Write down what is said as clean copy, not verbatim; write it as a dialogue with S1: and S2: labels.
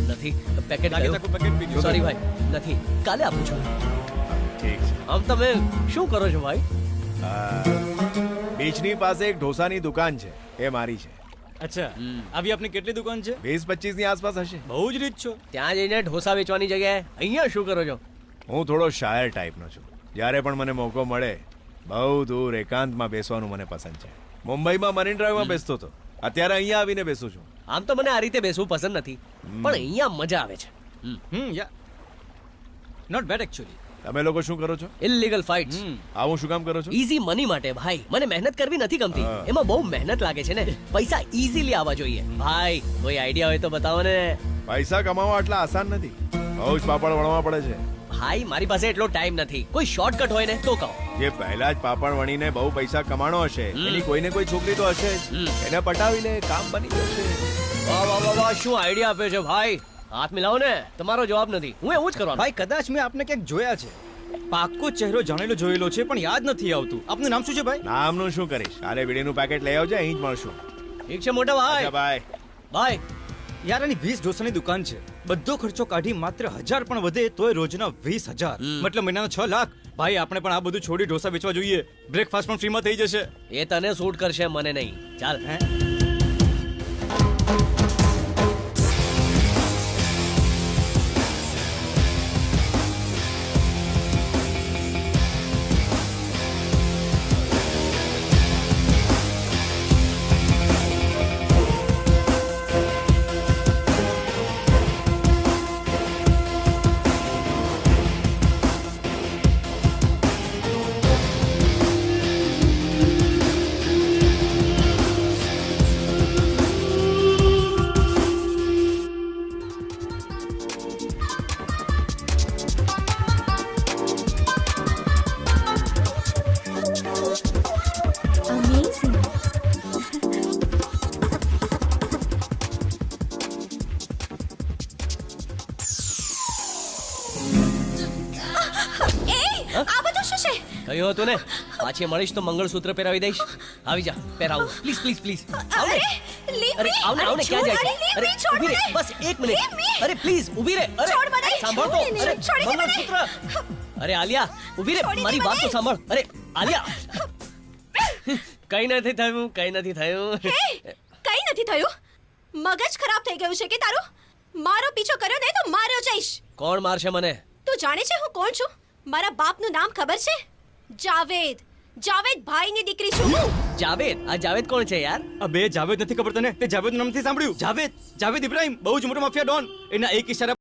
S1: નથી પેકેટ
S2: લાગે તાકુ પેકેટ પી ગયો.
S1: સોરી ભાઈ નથી કાલે આપું છું
S3: ઠીક છે
S1: આમ તમે શું કરો છો ભાઈ
S3: બીચની પાસે એક ઢોસાની દુકાન છે એ મારી છે
S2: અચ્છા આવી આપની કેટલી દુકાન છે?
S3: 20-25 ની આસપાસ હશે.
S2: બહુ જ રીચ છો.
S1: ત્યાં જઈને ઢોસા વેચવાની જગ્યાએ અહીંયા શું કરો છો
S3: હું થોડો શાયર ટાઈપનો છું. જ્યારે પણ મને મોકો મળે બહુ દૂર એકાંતમાં બેસવાનું મને પસંદ છે. મુંબઈમાં મરીન ડ્રાઈવમાં બેસતો હતો, અત્યારે અહીંયા આવીને બેસું છું.
S1: આમ તો મને આ રીતે બેસવું પસંદ નથી પણ અહીંયા મજા આવે છે
S2: યા નોટ બેડ એકચ્યુઅલી.
S3: તમે લોકો શું કરો છો?
S1: ઇલીગલ ફાઇટ્સ
S3: આવું શું કામ કરો છો?
S1: ઈઝી મની માટે ભાઈ મને મહેનત કરવી નથી ગમતી એમાં બહુ મહેનત લાગે છે ને પૈસા ઈઝીલી આવવા જોઈએ ભાઈ કોઈ આઈડિયા હોય તો બતાવો ને
S3: પૈસા કમાવા આટલા આસાન નથી, બહુ જ પાપડ વણવા પડે છે.
S1: ભાઈ મારી પાસે એટલો ટાઈમ નથી કોઈ શોર્ટકટ હોય ને તો કહો
S3: જે પહેલા જ પાપડ વણીને બહુ પૈસા કમાણો હશે એની કોઈને કોઈ છોકરી તો હશે જ. એને પટાવી લે, કામ બની જશે.
S1: વાહ વાહ વાહ વાહ શું આઈડિયા આપ્યો છે ભાઈ હાથ મિલાવો ને તમારો જવાબ નથી હું એવું જ કરવાનો
S2: ભાઈ કદાચ મેં આપને ક્યાંક જોયા છે. પાક્કો ચહેરો જાણેલો જોયેલો છે પણ યાદ નથી આવતું. આપનું નામ શું છે ભાઈ?
S3: નામનું શું કરીશ, કાલે બીડીનું પેકેટ લઈ આવજે, અહીં જ મળશું.
S1: ઠીક છે મોટા ભાઈ
S3: અચ્છા બાય.
S1: ભાઈ
S2: યાર આની 20 ઢોસાની દુકાન છે. બધો ખર્ચો કાઢી માત્ર 1000 પણ વધે તોય રોજના 20000 મતલબ મહિનાના 6 લાખ. ભાઈ આપણે પણ આ બધું છોડી ઢોસા વેચવા જોઈએ. બ્રેકફાસ્ટ પણ ફ્રીમાં થઈ જશે.
S1: એ તને સૂટ કરશે મને નહીં ચાલ
S2: હે?
S4: Amazing. આ બધું શું છે?
S1: કહ્યું હતું ને પાછી મળીશ તો મંગળસૂત્ર પહેરાવી દઈશ આવી જા પહેરાવું પ્લીઝ પ્લીઝ પ્લીઝ આવ ને
S4: Leave
S1: અરે
S4: me.
S1: આવ ને આવ ને ક્યાં જાય છે? અરે
S4: છોડ
S1: ઊભી રહે
S4: મને.
S1: બસ એક
S4: Leave me.
S1: મિનિટ અરે પ્લીઝ ઊભી રહે અરે
S4: છોડ મને.
S1: સાંભળ તો
S4: છોડ મને.
S1: અરે
S4: છોડી દે મને.
S1: મંગળસૂત્ર અરે આલિયા ઊભી રહે
S4: છોડી દે
S1: મારી વાત તો
S4: મને.
S1: સાંભળ અરે આલિયા કઈ નથી થયું કઈ નથી થયું
S4: હે, કઈ નથી થયું. મગજ ખરાબ થઈ ગયું છે કે તારું? મારો પીછો કર્યો ને તો માર્યો જઈશ.
S1: કોણ મારશે મને
S4: તું જાણે છે હું કોણ છું? મારા બાપનું નામ ખબર છે? જાવેદ. જાવેદ ભાઈની દીકરી છું હું.
S1: જાવેદ આ જાવેદ કોણ છે યાર
S2: અબે જાવેદ નથી ખબર તને? તે જાવેદનું નામ નથી સાંભળ્યું? જાવેદ ઇબ્રાહિમ બહુ જ મોટો માફિયા ડોન. એના એક ઇશારા